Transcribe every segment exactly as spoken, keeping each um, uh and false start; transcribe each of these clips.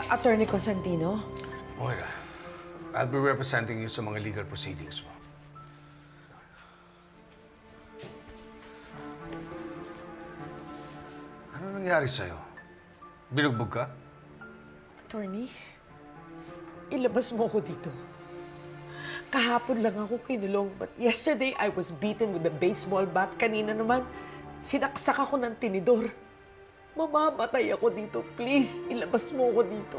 Attorney Constantino? Moira, I'll be representing you sa mga legal proceedings mo. Ano nangyari sa'yo? Binugbog ka? Attorney, ilabas mo ko dito. Kahapon lang ako kinulong, but yesterday I was beaten with a baseball bat. Kanina naman, sinaksak ako ng tinidor. Mamamatay ako dito. Please, ilabas mo ko dito.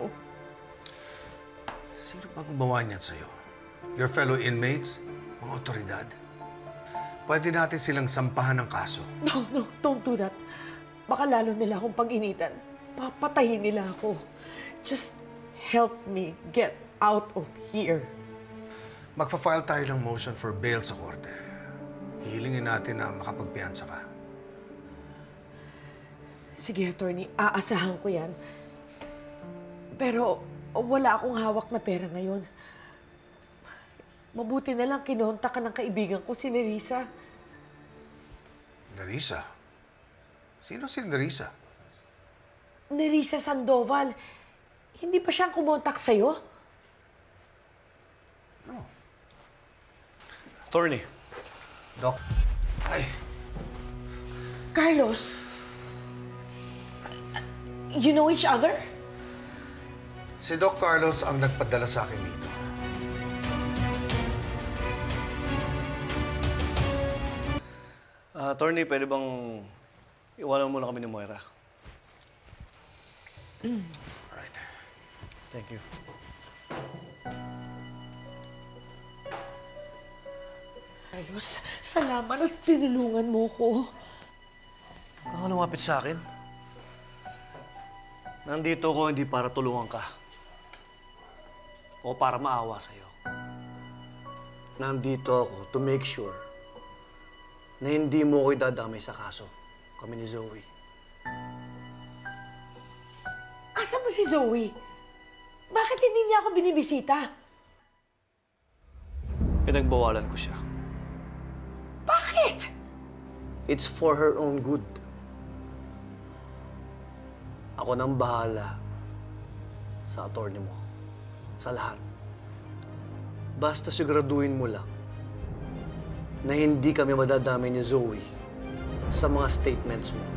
Sino ba gumawa niyan sa'yo? Your fellow inmates? Mga otoridad? Pwede natin silang sampahan ng kaso. No, no, don't do that. Baka lalo nila akong pag-initan. Papatayin nila ako. Just help me get out of here. Magpa-file tayo ng motion for bail sa korte. Hihilingin natin na makapagpiyansa ka. Sige, attorney, aasahan ko yan. Pero wala akong hawak na pera ngayon. Mabuti na lang kinontak ka ng kaibigan ko, si Nerissa. Nerissa? Sino si Nerissa? Nerissa Sandoval. Hindi pa siyang kumontak sa'yo? No. Attorney. Doc. Ay. Carlos, you know each other? Si Doc Carlos ang nagpadala sa akin dito. Uh, attorney, pwede bang iwanan muna kami ni Moira? Alright. Thank you. Carlos, salamat at tinulungan mo ko. Huwag kang lumapit sa akin. Nandito ako hindi para tulungan ka. O para maawa sa'yo. Nandito ako to make sure na hindi mo ko idadamay sa kaso. Kami ni Zoe. Asa mo si Zoe? Bakit hindi niya ako binibisita? Pinagbawalan ko siya. Bakit? It's for her own good. Ako nang bahala sa attorney mo. Sa lahat. Basta siguraduhin mo lang na hindi kami madadamay ni Zoe sa mga statements mo.